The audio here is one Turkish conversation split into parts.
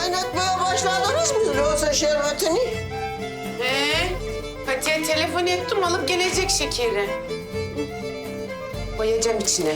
kaynatmaya başladınız mı loğusa şerbetini? Fatih'e telefon ettim, alıp gelecek şekeri. Koyacağım içine.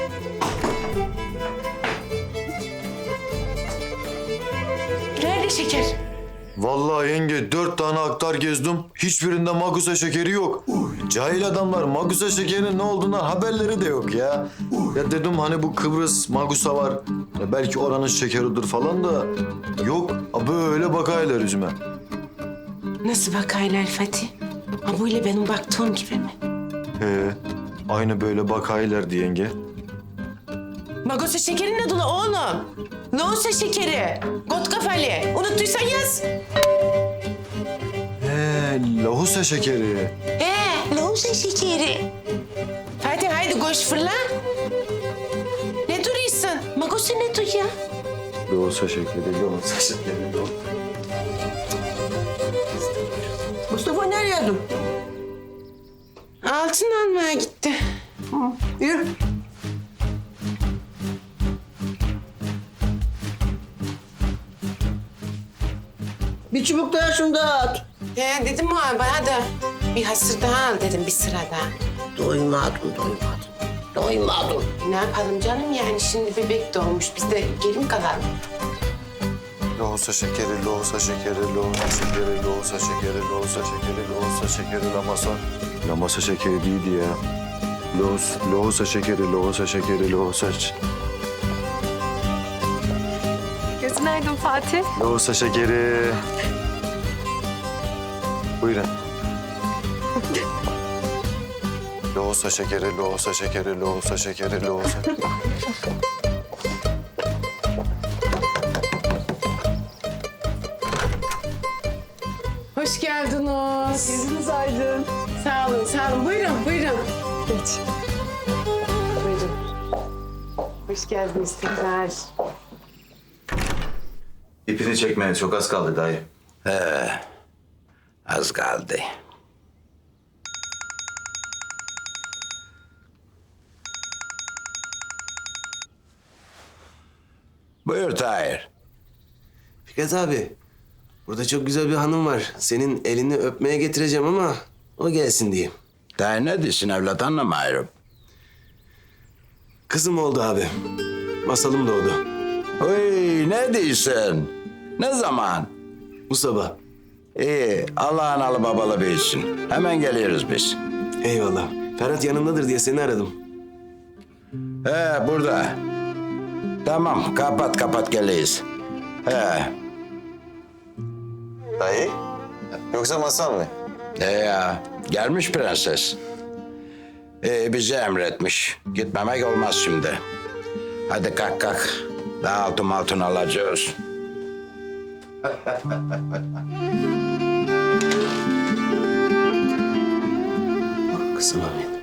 Nerede şeker? Vallahi yenge 4 tane aktar gezdim. Hiçbirinde magusa şekeri yok. Cahil adamlar magusa şekerinin ne olduğundan haberleri de yok ya. Ya dedim hani bu Kıbrıs magusa var. Ya belki oranın şekeridir falan da yok. Böyle bakaylar yüzüme. Nasıl bakaylar Fatih? Ha böyle benim baktığım gibi mi? He, aynı böyle bakaylardı yenge. Magosa şekeri ne dolu oğlum? Loğusa şekeri. Got kafalı. Unuttuysan yaz. He, lahusa şekeri. Loğusa şekeri. Fatih haydi koş fırla. Ne duruyorsun? Magosa ne dur ya? Lahusa şekeri, lahusa şekeri, lahusa. Mustafa nereye dur? Altın almaya gitti. Yürü. Bir çubuk daha şunu da at. Dedim o bana da bir hasır daha al dedim bir sıra daha. Doymadım. Ne yapalım canım yani şimdi bebek doğmuş biz de geri mi kalalım? Lahusa şekeri, lahusa şekeri, lahusa şekeri, lahusa şekeri, lahusa şekeri, lahusa şekeri, lamasa. Lamasa şekeri değildi ya. Lahusa şekeri, lahusa şekeri, lahusa Gözün aydın Fatih. lahusa şekeri. Buyurun. Lahusa şekeri, lahusa şekeri, lahusa şekeri, lahusa. Hoş geldiniz. Gözünüz aydın. Sağ olun. Buyurun. Geç. Buyurun. Hoş geldiniz tekrar. İpini çekmeye çok az kaldı dayı. Az kaldı. Buyur Tahir. Fikret abi, burada çok güzel bir hanım var. Senin elini öpmeye getireceğim ama o gelsin diyeyim. Tahir ne diyorsun evlat anlamıyorum. Kızım oldu abi. Masalım doğdu. Oy ne diyorsun? Ne zaman? Bu sabah. İyi Allah'ın alı babalı büyüsün. Hemen geliyoruz biz. Eyvallah. Ferhat yanındadır diye seni aradım. Burada. Tamam kapat geliyiz. Dayı? Yoksa masal mı? Ya gelmiş prenses. Bizi emretmiş. Gitmemek olmaz şimdi. Hadi kalk. Daha altın alacağız. Kızım Ahmet.